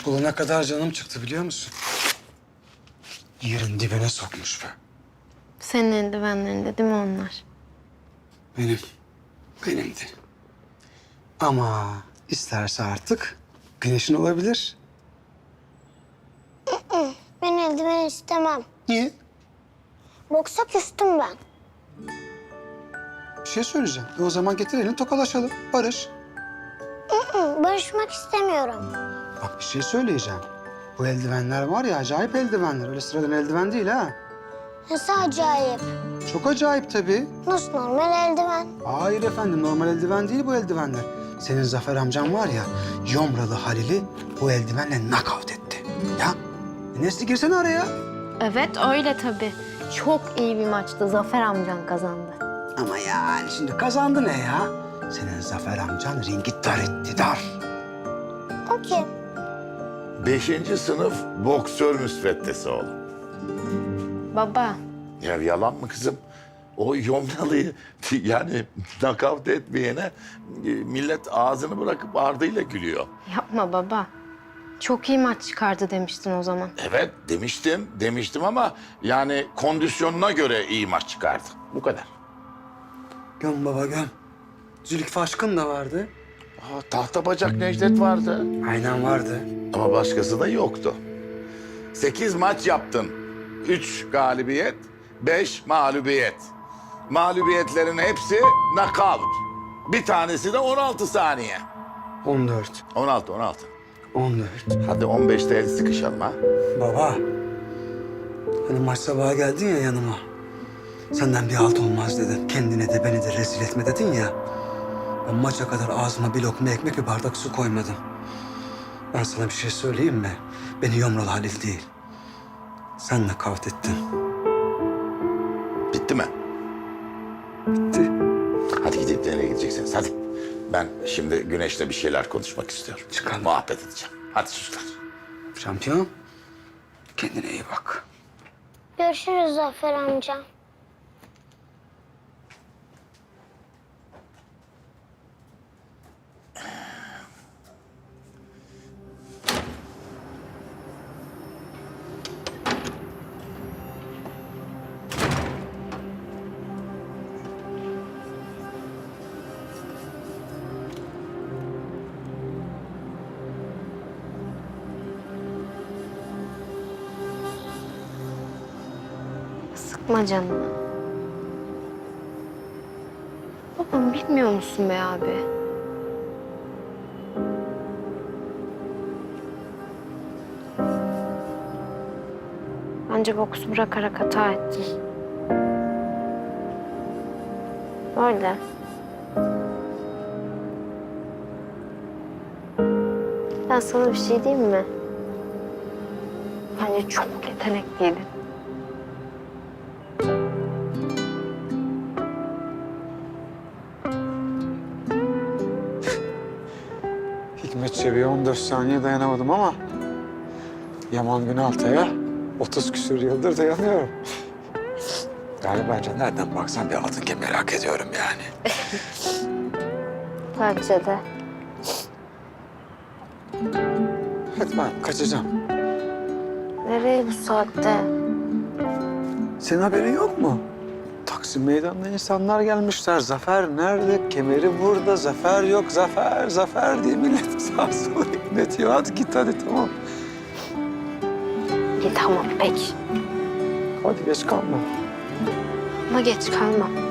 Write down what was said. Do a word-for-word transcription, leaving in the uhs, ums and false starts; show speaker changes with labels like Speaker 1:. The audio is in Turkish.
Speaker 1: bulana kadar canım çıktı biliyor musun? Yerin dibine sokmuş be.
Speaker 2: Senin eldivenlerinde değil mi onlar?
Speaker 1: Benim. Benimdi. Ama isterse artık güneşin olabilir.
Speaker 3: Ben eldiven istemem.
Speaker 1: Niye?
Speaker 3: Boksa küstüm ben.
Speaker 1: Bir şey söyleyeceğim. E o zaman getir elini tokalaşalım. Barış.
Speaker 3: Hı, barışmak istemiyorum.
Speaker 1: Bak bir şey söyleyeceğim. Bu eldivenler var ya acayip eldivenler. Öyle sıradan eldiven değil ha.
Speaker 3: Nasıl acayip.
Speaker 1: Çok acayip tabii.
Speaker 3: Nasıl normal eldiven?
Speaker 1: Hayır efendim normal eldiven değil bu eldivenler. Senin Zafer amcan var ya Yomralı Halil'i bu eldivenle knockout etti. Ya e Nesli girsene araya.
Speaker 2: Evet öyle tabii. Çok iyi bir maçtı. Zafer amcan kazandı.
Speaker 1: Ama yani şimdi kazandı ne ya? Senin Zafer amcan ringi dar etti dar.
Speaker 3: O kim?
Speaker 4: Beşinci sınıf boksör müsveddesi oğlum.
Speaker 2: Baba,
Speaker 4: Ya yalan mı kızım? O Yomralı'yı yani nakavt etmeyene e, millet ağzını bırakıp ardıyla gülüyor.
Speaker 2: yapma baba. Çok iyi maç çıkardı demiştin o zaman.
Speaker 4: Evet demiştim, demiştim ama yani kondisyonuna göre iyi maç çıkardı. Bu kadar.
Speaker 1: Göm baba göm. Zülfikü Aşkın da vardı.
Speaker 4: Aa, tahta bacak Necdet vardı
Speaker 1: Aynen vardı.
Speaker 4: ama başkası da yoktu. Sekiz maç yaptın. Üç galibiyet, beş mağlubiyet. Mağlubiyetlerin hepsi knockout. Bir tanesi de on altı saniye.
Speaker 1: on dört.
Speaker 4: on altı, on altı.
Speaker 1: on dört.
Speaker 4: Hadi on beşte el sıkışalım ha.
Speaker 1: Baba. Hani maç sabahı geldin ya yanıma. Senden bir halt olmaz dedin. Kendine de beni de rezil etme dedin ya. Ben maça kadar ağzıma bir lokma ekmek bir bardak su koymadım. Ben sana bir şey söyleyeyim mi? Beni Yomralı Halil değil. Senle kavga ettin.
Speaker 4: Bitti mi?
Speaker 1: Bitti.
Speaker 4: Hadi gidip nereye gideceksiniz hadi. Ben şimdi Güneş'le bir şeyler konuşmak istiyorum.
Speaker 1: Çıkalım.
Speaker 4: Muhabbet edeceğim. Hadi çocuklar.
Speaker 1: Şampiyon. Kendine iyi bak.
Speaker 3: Görüşürüz Zafer amca.
Speaker 2: Sıkma canını. Babam bilmiyor musun be abi? Bence boksu bırakarak hata ettin. Öyle. Ben sana bir şey diyeyim mi? Bence çok yetenekliydin.
Speaker 5: Hikmet Çebi'ye on dört saniye dayanamadım ama Yaman Günaltay'a otuz küsur yıldır dayanıyorum. Yani bence nereden baksan bir altın kemeri hak ediyorum yani.
Speaker 2: Bence de.
Speaker 5: Hadi ben kaçacağım.
Speaker 2: Nereye bu saatte?
Speaker 5: Senin haberin yok mu? Taksim Meydanı'na insanlar gelmişler. Zafer nerede? Kemeri burada. Zafer yok. Zafer, Zafer diye millet sağa sola inletiyor. Hadi git hadi tamam.
Speaker 2: İyi tamam peki.
Speaker 5: Hadi geç kalma.
Speaker 2: Ama geç kalma.